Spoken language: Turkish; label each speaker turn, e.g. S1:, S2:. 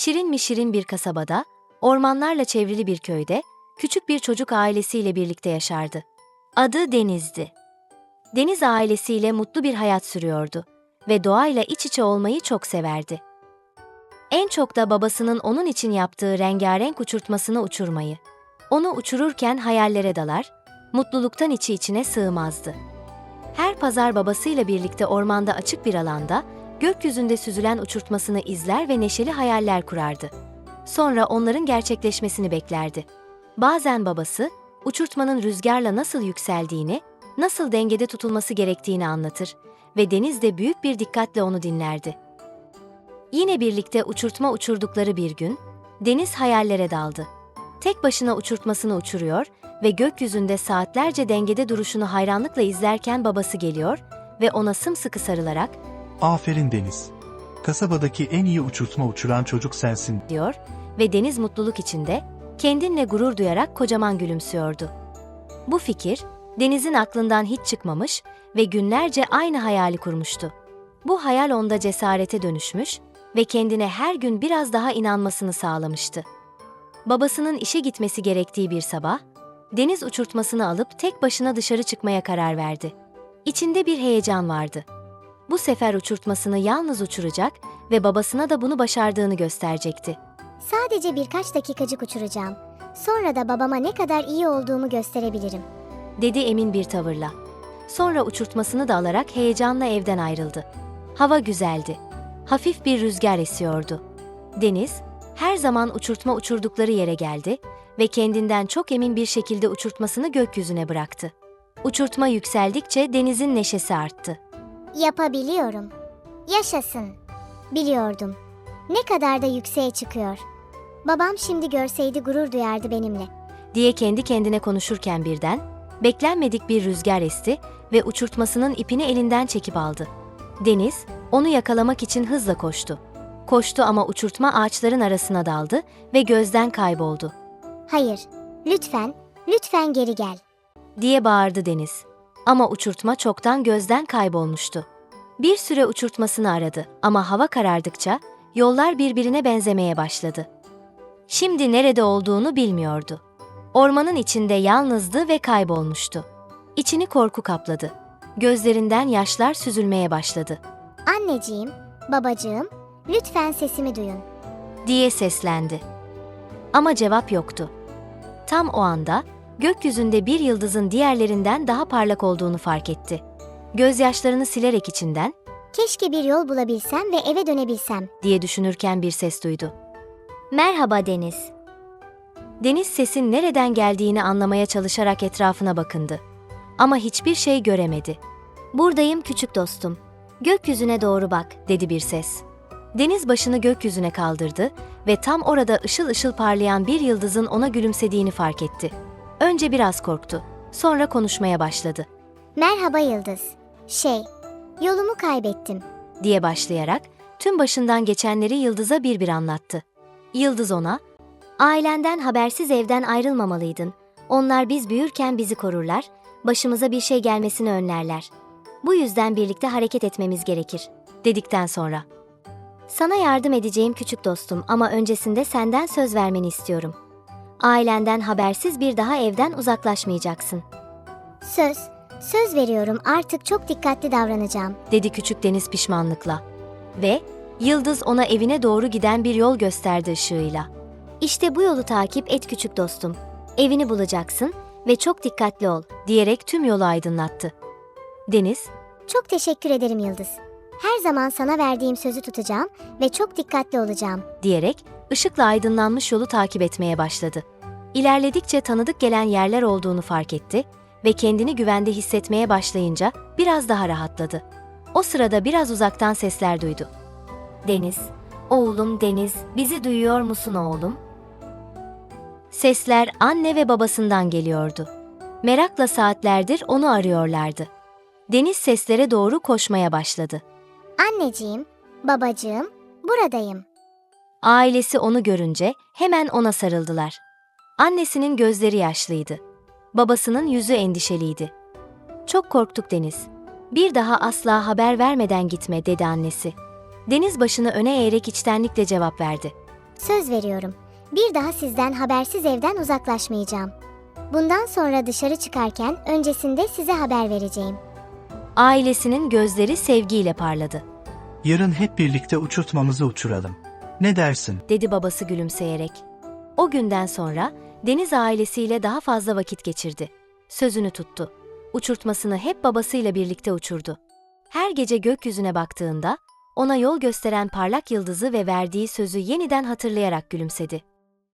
S1: Şirin mi şirin bir kasabada, ormanlarla çevrili bir köyde, küçük bir çocuk ailesiyle birlikte yaşardı. Adı Deniz'di. Deniz ailesiyle mutlu bir hayat sürüyordu ve doğayla iç içe olmayı çok severdi. En çok da babasının onun için yaptığı rengarenk uçurtmasını uçurmayı. Onu uçururken hayallere dalar, mutluluktan içi içine sığmazdı. Her pazar babasıyla birlikte ormanda açık bir alanda, gökyüzünde süzülen uçurtmasını izler ve neşeli hayaller kurardı. Sonra onların gerçekleşmesini beklerdi. Bazen babası, uçurtmanın rüzgarla nasıl yükseldiğini, nasıl dengede tutulması gerektiğini anlatır ve Deniz de büyük bir dikkatle onu dinlerdi. Yine birlikte uçurtma uçurdukları bir gün, Deniz hayallere daldı. Tek başına uçurtmasını uçuruyor ve gökyüzünde saatlerce dengede duruşunu hayranlıkla izlerken babası geliyor ve ona sımsıkı sarılarak
S2: "Aferin Deniz. Kasabadaki en iyi uçurtma uçuran çocuk sensin."
S1: diyor ve Deniz mutluluk içinde, kendinle gurur duyarak kocaman gülümsüyordu. Bu fikir, Deniz'in aklından hiç çıkmamış ve günlerce aynı hayali kurmuştu. Bu hayal onda cesarete dönüşmüş ve kendine her gün biraz daha inanmasını sağlamıştı. Babasının işe gitmesi gerektiği bir sabah, Deniz uçurtmasını alıp tek başına dışarı çıkmaya karar verdi. İçinde bir heyecan vardı. Bu sefer uçurtmasını yalnız uçuracak ve babasına da bunu başardığını gösterecekti.
S3: Sadece birkaç dakikacık uçuracağım. Sonra da babama ne kadar iyi olduğumu gösterebilirim,
S1: dedi emin bir tavırla. Sonra uçurtmasını da alarak heyecanla evden ayrıldı. Hava güzeldi. Hafif bir rüzgar esiyordu. Deniz, her zaman uçurtma uçurdukları yere geldi ve kendinden çok emin bir şekilde uçurtmasını gökyüzüne bıraktı. Uçurtma yükseldikçe Deniz'in neşesi arttı.
S3: Yapabiliyorum. Yaşasın. Biliyordum. Ne kadar da yükseğe çıkıyor. Babam şimdi görseydi gurur duyardı benimle,
S1: diye kendi kendine konuşurken birden, beklenmedik bir rüzgar esti ve uçurtmasının ipini elinden çekip aldı. Deniz, onu yakalamak için hızla koştu. Koştu ama uçurtma ağaçların arasına daldı ve gözden kayboldu.
S3: Hayır, lütfen geri gel,
S1: diye bağırdı Deniz. Ama uçurtma çoktan gözden kaybolmuştu. Bir süre uçurtmasını aradı ama hava karardıkça yollar birbirine benzemeye başladı. Şimdi nerede olduğunu bilmiyordu. Ormanın içinde yalnızdı ve kaybolmuştu. İçini korku kapladı. Gözlerinden yaşlar süzülmeye başladı.
S3: Anneciğim, babacığım, lütfen sesimi duyun,
S1: diye seslendi. Ama cevap yoktu. Tam o anda gökyüzünde bir yıldızın diğerlerinden daha parlak olduğunu fark etti. Gözyaşlarını silerek içinden
S3: keşke bir yol bulabilsem ve eve dönebilsem,
S1: diye düşünürken bir ses duydu.
S3: Merhaba Deniz.
S1: Deniz sesin nereden geldiğini anlamaya çalışarak etrafına bakındı. Ama hiçbir şey göremedi.
S3: Buradayım küçük dostum. Gökyüzüne doğru bak,
S1: dedi bir ses. Deniz başını gökyüzüne kaldırdı ve tam orada ışıl ışıl parlayan bir yıldızın ona gülümsediğini fark etti. Önce biraz korktu, sonra konuşmaya başladı.
S3: Merhaba Yıldız. Yolumu kaybettim,
S1: diye başlayarak tüm başından geçenleri Yıldız'a bir anlattı. Yıldız ona,
S3: ailenden habersiz evden ayrılmamalıydın. Onlar biz büyürken bizi korurlar, başımıza bir şey gelmesini önlerler. Bu yüzden birlikte hareket etmemiz gerekir,
S1: dedikten sonra.
S3: Sana yardım edeceğim küçük dostum ama öncesinde senden söz vermeni istiyorum. Ailenden habersiz bir daha evden uzaklaşmayacaksın. Söz veriyorum, artık çok dikkatli davranacağım,
S1: dedi küçük Deniz pişmanlıkla. Ve Yıldız ona evine doğru giden bir yol gösterdi ışığıyla.
S3: İşte bu yolu takip et küçük dostum. Evini bulacaksın ve çok dikkatli ol,
S1: diyerek tüm yolu aydınlattı. Deniz,
S3: çok teşekkür ederim Yıldız. Her zaman sana verdiğim sözü tutacağım ve çok dikkatli olacağım,
S1: diyerek ışıkla aydınlanmış yolu takip etmeye başladı. İlerledikçe tanıdık gelen yerler olduğunu fark etti ve kendini güvende hissetmeye başlayınca biraz daha rahatladı. O sırada biraz uzaktan sesler duydu.
S3: Deniz, oğlum Deniz, bizi duyuyor musun oğlum?
S1: Sesler anne ve babasından geliyordu. Merakla saatlerdir onu arıyorlardı. Deniz seslere doğru koşmaya başladı.
S3: Anneciğim, babacığım, buradayım.
S1: Ailesi onu görünce hemen ona sarıldılar. Annesinin gözleri yaşlıydı. Babasının yüzü endişeliydi. Çok korktuk Deniz. Bir daha asla haber vermeden gitme, dedi annesi. Deniz başını öne eğerek içtenlikle cevap verdi.
S3: Söz veriyorum. Bir daha sizden habersiz evden uzaklaşmayacağım. Bundan sonra dışarı çıkarken öncesinde size haber vereceğim.
S1: Ailesinin gözleri sevgiyle parladı,
S2: Yarın hep birlikte uçurtmamızı uçuralım. Ne dersin?
S1: dedi babası gülümseyerek. O günden sonra Deniz ailesiyle daha fazla vakit geçirdi. Sözünü tuttu. Uçurtmasını hep babasıyla birlikte uçurdu. Her gece gökyüzüne baktığında ona yol gösteren parlak yıldızı ve verdiği sözü yeniden hatırlayarak gülümsedi.